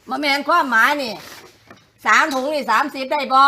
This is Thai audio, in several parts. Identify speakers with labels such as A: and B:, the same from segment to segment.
A: มาแมนความหมายนี่3 ถุงนี่30ได้บ่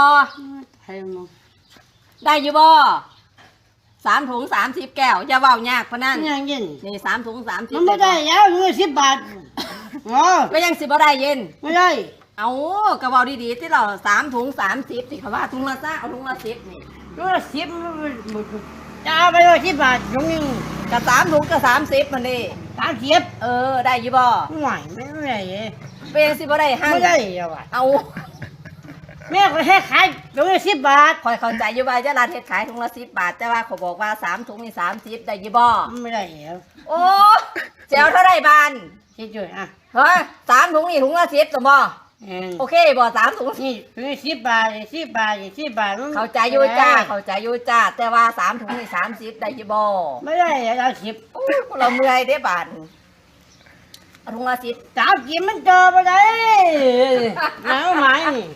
A: ได้อยู่บ่3 ถุง30 แก้วอย่าเว้ายากพะนั่น
B: ยังยิน
A: นี่3 ถุง30
B: มันไม่ได้แล้วเงิน10 บาท
A: ก็ยังสิบ่ได้เย็น
B: ไม่ได้
A: เอากระเป๋าดีๆที่เรา3 ถุง30สิเขาว่าถุงละเอาถุงละ10นี่
B: ถุงละ10จะเอาไปเลย10 บาทถุงนึง
A: กับ3 ถุงก็30มันดิ
B: 30
A: ได้อยู่บ่
B: ไม่ได้
A: เป็นยังสิบ่ได้หั่น
B: ไม่ได้
A: เอา
B: แม่ก็ให้ขายถุงละ10 บาท
A: คอยเข้าใจอยู่ว่าจะร้านเฮ็ดขายถุงละ10 บาทแต่ว่าเขาบอกว่า3 ถุงนี่30ได้อยู่บ่
B: ไม่ได้แล้ว
A: โอ้แจวเท่าไรบาน
B: คิดด้วย
A: เฮ้ย3 ถุงนี่ถุงละ10ตัวบ่โอเคบ่3 ถุง
B: นี่ถุง10 บาท10 บาท10 บาท
A: เข้าใจอยู่จ้าเข้าใจอยู่จ้าแต่ว่า3 ถุงนี่30ได้อยู่บ่
B: ไม่ได้แล้ว10
A: เราเมื่อยเด้บานถุงละ10
B: 30มันเจอบ่ได้แล้วไหม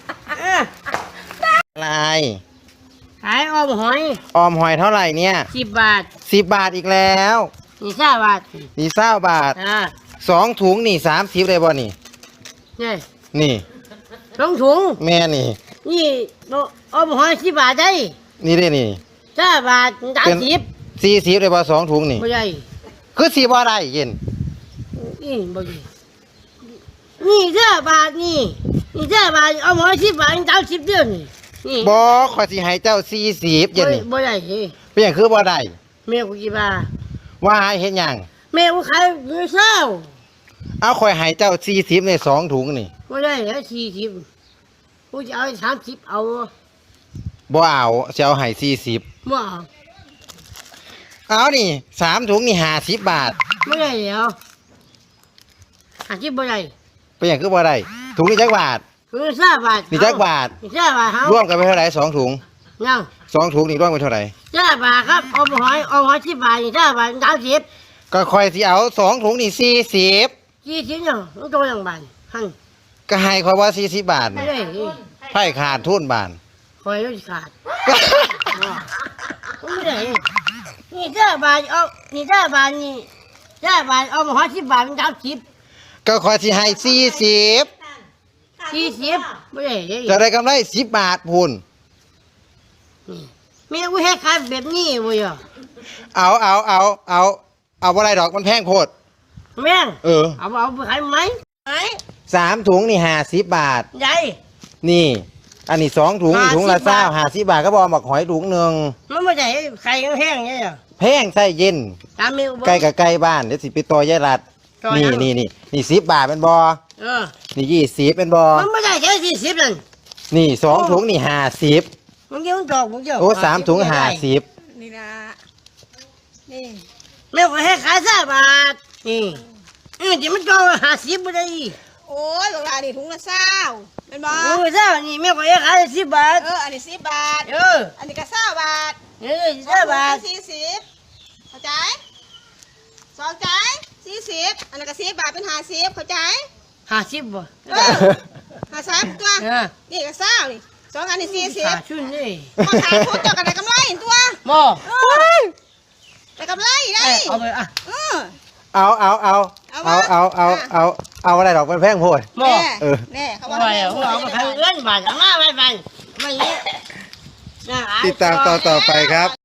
C: อะไร
B: ขายออมหอย
C: เท่าไหร่เนี่ย
B: 10 บาท
C: 10 บาทอีกแล้ว
B: นี่20 บาท
C: นี่20 บาท2 ถุงนี่30เลยบ่นี่นี่
B: 2 ถุง
C: แม่นี่
B: ออมหอย10 บาทได้
C: นี่ได้นี่
B: 20 บาท
C: 40เลยบ่2 ถุงนี่
B: บ่ได้
C: คือสิบ่ได้เย็น
B: บ่ได้นี่20 บาทนี่20 บาทออมหอย10 บาท30เดือนนี่
C: บ่ขอยสิให้เจ้า40เย็นนี่
B: บ่ได้
C: เป็นหยังคือบ่ได้
B: แม่กูกี่บาท
C: ว่าให้เฮ็ดหยัง
B: แม่กูขายมื้อเช้า
C: เอาข่อยให้เจ้า40ใน2 ถุงนี่
B: บ่ได้แล้ว40กูจะเอา30เอา
C: บ่เอาสิเอาให้40
B: บ่
C: เอานี่3 ถุงนี่50 บาท
B: บ่ได้แล้ว50บ่ได้
C: เป็นหยังคือบ่ได้ถุงนี้จักบาท
B: ถุง20 บาท
C: นี่จักบาท
B: นี่20 บาท
C: รวมกันไปเท่าไหร่2 ถุง
B: ยัง
C: 2 ถุงนี่รวมกันเท่าไหร่
B: 20 บาทครับออมหอย10 บาทนี่20 บาท30
C: ก็ค่อยสิเอา2 ถุงนี่40
B: ยังมันตัวอย่างบาทหั่น
C: ก็ให้ข่อยว่า40 บาท
B: ไม่ได้
C: ไผขาดทุนบาท
B: ข่อยรู้ขาดไม่ได้นี่20 บาทเอานี่20 บาทนี่20 บาทเอามา10 บาท30
C: ก็ค่อยสิให้40
B: ไม่ได้
C: จะได้กำไร10 บาทพูน
B: แม่กูให้ขายแบบนี้บ่ย
C: เอาบ่ได้ดอกมันแพงโพด
B: แม่งเอาไปขายไหม
C: 3 ถุงนี่50 บาท
B: ใหญ่
C: นี่อันนี้2 ถุงถุงละ50 บาทก็บ่บักหอยถุงนึง
B: มันบ่ได้ไข่แห้งไง
C: แพงใส่เย็นใกล้กับใกล้บ้านเดี๋ยวสิไปต่อยายรัดนี่10 บาทเป็นบ่นี่20เป็นบ่
B: มันไม่ได้แค่40นั่น
C: นี่2 ถุงนี่50
B: มึงเกี่ยวดอกมึงเกี่ยว
C: โอ้3 ถุง50
A: นี่นะนี่
B: แม่ก็ให้ขาย20 บาทนี่เดี๋ยวมันก็50บ่ได้
A: โอ้ยบอกว่านี่ถุงละ20เป็นบ่
B: 20นี่แม่ก็ให้ขาย10 บาท
A: อันนี้10 บาทอันนี้ก็20 บาท
B: 20 บาท
A: 40เข้าใจ2 ใจ40อันนั้นก็10 บาทเป็น50เข้าใจ
B: 50บ่
A: 50ตัวนี่ก็20นี่2 อันนี่40
B: ชุนนี่
A: มาขายทุนเจ้ากันได้กำไรตัว
B: บ่
A: ได้กำไรได้
B: เอาไป
C: เอาอะไรดอกมันแพงโพด
A: แน่เขาว่า
B: เอาไปขายเงินบาทเอามาไปมันนี้
C: ติดตามต่อไปครับ